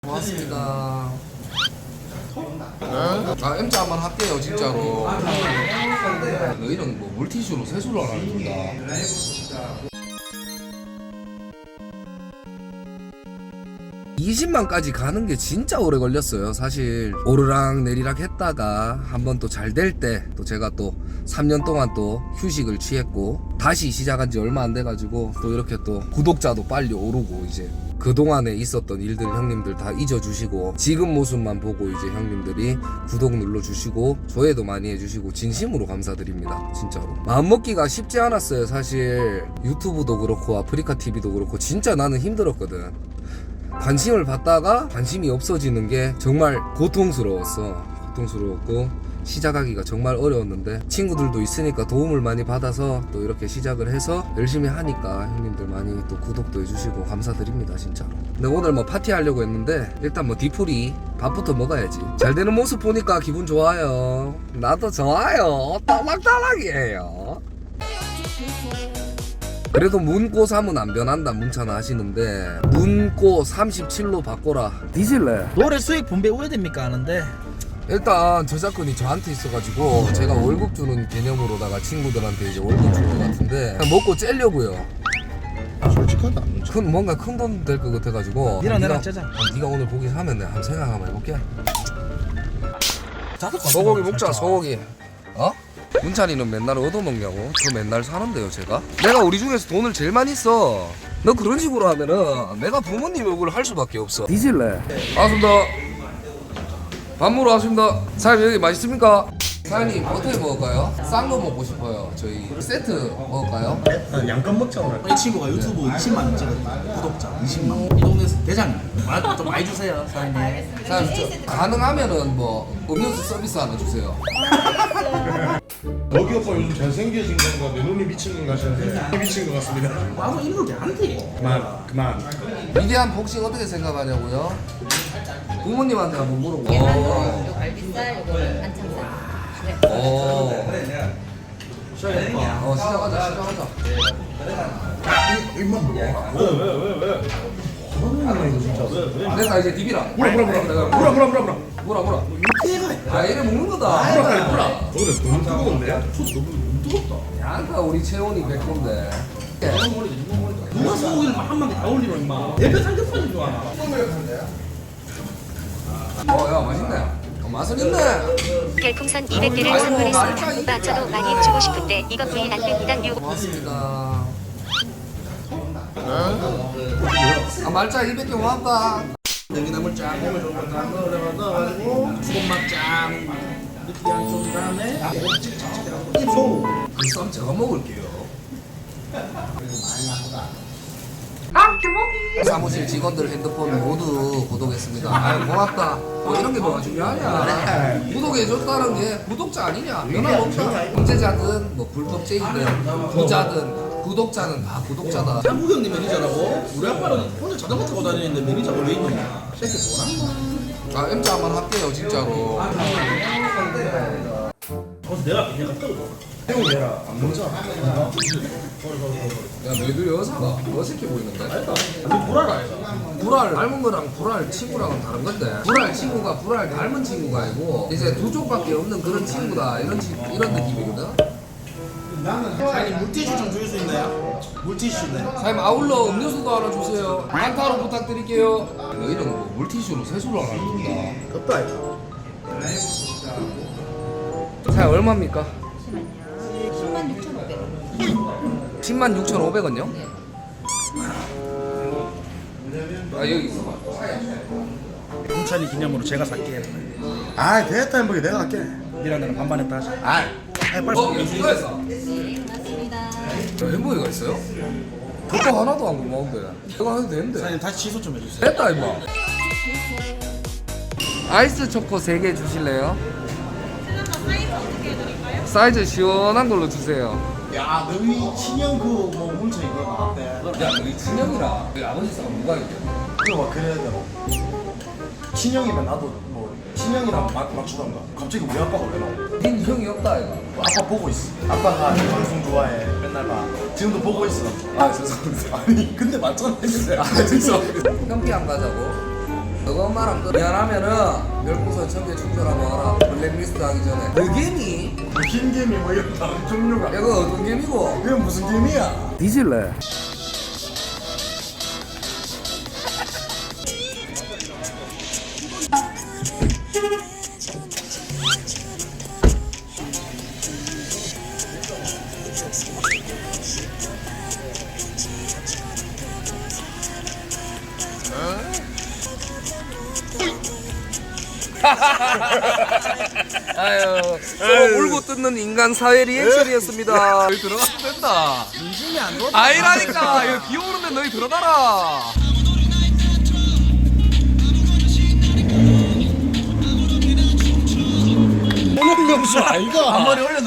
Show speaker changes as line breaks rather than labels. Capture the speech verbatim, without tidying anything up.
고맙습니다. 아, M자 한번 할게요, 진짜로. 너희는 뭐 물티슈로 세수를 안 합니다. 이십만까지 가는 게 진짜 오래 걸렸어요. 사실 오르락 내리락 했다가 한번 또 잘 될 때 또 제가 또 삼 년 동안 또 휴식을 취했고 다시 시작한 지 얼마 안 돼가지고 또 이렇게 또 구독자도 빨리 오르고 이제 그동안에 있었던 일들 형님들 다 잊어주시고 지금 모습만 보고 이제 형님들이 구독 눌러주시고 조회도 많이 해주시고 진심으로 감사드립니다. 진짜로 마음먹기가 쉽지 않았어요. 사실 유튜브도 그렇고 아프리카티비도 그렇고 진짜 나는 힘들었거든. 관심을 받다가 관심이 없어지는 게 정말 고통스러웠어. 고통스러웠고 시작하기가 정말 어려웠는데 친구들도 있으니까 도움을 많이 받아서 또 이렇게 시작을 해서 열심히 하니까 형님들 많이 또 구독도 해주시고 감사드립니다. 진짜로. 근데 오늘 뭐 파티하려고 했는데 일단 뭐 뒤풀이 밥부터 먹어야지. 잘 되는 모습 보니까 기분 좋아요. 나도 좋아요. 따락따락이에요. 그래도 문고 삼은 안 변한다 문자나 하시는데 문고 삼십칠로 바꿔라. 뒤질래?
노래 수익 분배 우회됩니까 하는데
일단 저작권이 저한테 있어가지고 제가 월급 주는 개념으로다가 친구들한테 이제 월급 줄 것 같은데 그냥 먹고 째려고요.
솔직하다.
큰 뭔가 큰 돈 될 것 같아가지고
니랑 나랑
네가-
짜자.
어, 네가 오늘 고기 사면 내가 한번 생각 한번 해볼게.
자꾸
소고기 먹자. 소고기. 어? 문찬이는 맨날 얻어먹냐고? 저 맨날 사는데요 제가? 내가 우리 중에서 돈을 제일 많이 써. 너 그런 식으로 하면은 내가 부모님 욕을 할 수밖에 없어. 뒤질래? 반갑습니다. 밥 먹으러 왔습니다. 사장님 여기 맛있습니까? 사장님 어떻게 먹을까요? 싼 거 먹고 싶어요. 저희 세트 먹을까요?
난 양껏 먹자 오늘.
이 친구가 유튜브 이십만 원 찍었다. 구독자 이십만. 이 동네에서 대장님. 말 좀 많이 주세요, 사장님.
사장님 저 가능하면은 뭐 음료수 서비스 하나 주세요.
여기 오빠 요즘 잘생겨진 건가 내 눈이 미친 건가 싶은데 미친 것 같습니다.
아무 이런 게 안 돼.
그만 그만.
위대한 복싱 어떻게 생각하냐고요? 부모님한테 한번 물어보.
계란은 요 갈비살, 요거는 안창살. 네.
오. 어 시작하자 시작하자.
입만 먹어.
됐다 이제 디비라.
물어 물어 물어 물어 물어 물어 물어.
뭐라 뭐라. 아 이래 먹는 거다.
물어 빨리 물어. 오늘 너무 뜨거운데?
너무 뜨겁다.
양가 우리 채원이 백건데.
누가 소고기를 한 마리 다 올리노 임마. 내가 삼겹살인 줄 아나.
어야 맛있네. 어, 맛은 있네.
별풍선 이백 개를 선물했습니다. 오빠 저도 많이 주고 싶은데 이거 구이 안 됩니다. 유
고맙습니다. 아 말자 이백 개 고맙다.
냉이나물 쫙 해물 좋은 거다 넣어가지고 수건막 쫙 느끼한 소스 다음에 소
그쌈 제가 먹을게요. 사무실 직원들 핸드폰 모두 구독했습니다. 아유 고맙다. 뭐 이런 게 뭐가 중요하냐. 구독해줬다는 게 구독자 아니냐. 변함없다. 형제자든 뭐 불독쟁이든 부자든 구독자는 다 구독자다.
한국 형님 매니저라고? 우리 아빠는 혼자 자전거 타고 다니는데 매니저가 왜 있냐? 새끼 뭐란
아 M자 한번 할게요 진짜로.
거기서 내가 내가 떨어
형 얘라 안 먹자.
야 너희들 여사가 어색해 보이는데?
너 불알 아이가?
불알 닮은 거랑 불알 친구랑은 다른 건데 불알 친구가 불알 닮은 친구가 아니고 이제 두 쪽밖에 없는 그런 친구다 이런 치, 이런 느낌이거든.
사장님 물티슈 좀 줄 수 있나요? 물티슈네.
사장님 아울러 음료수도 하나 주세요. 한타로 부탁드릴게요. 너희는 뭐 물티슈로 세수를 안 합니다.
덥다 이거.
사장님 얼마입니까?
십만 육천오백 원.
십만 육천오백 원요?
네.
아 여기 있어봐.
홍찬이 기념으로 제가 살게.
아 됐다 햄버거 내가 할게.
니랑 나랑 반반했다 하자.
아
아이 빨리.
어? 이거 했어?
네, 고맙습니다.
저 햄버거가 있어요? 그거 하나도 안 고마운데 이거 해도 되는데.
사장님 다시 취소 좀 해주세요.
됐다 임마. 아이스 초코 세 개 주실래요? 사이즈 시원한 걸로 주세요.
야 너희 친형 그뭐 물체 이거 나왔대.
야 너희 친형이랑 너희 아버지 싸움 누가 이겨?
그거 막 그래야 돼. 친형이면 나도 뭐 친형이랑 막 맞추던가. 갑자기 우리 아빠가 왜 나와?
닌 형이 없다 이거.
아빠 보고 있어. 아빠가 이 방송 좋아해. 맨날 봐. 지금도 보고 있어.
아 죄송합니다.
아니 근데 맞잖아.
아 죄송합니다. 형피 안 가자고. 그것만 또 미안하면은 별풍선 천 개 충전하고 와라. 블랙리스트 하기 전에. 너게미?
뭐 흰개미 뭐 이런 다른 종류가.
이거 어떤 게임이고?
이건 무슨 개미야?
뒤질래? 아유, 서로 울고 뜯는 인간 사회 리액션이었습니다. 여기 들어가도 된다.
인심이 안 좋아.
아니라니까. 이거 비 오는데 너희 들어가라.
오늘 명수 아이가.
한 마리 올려.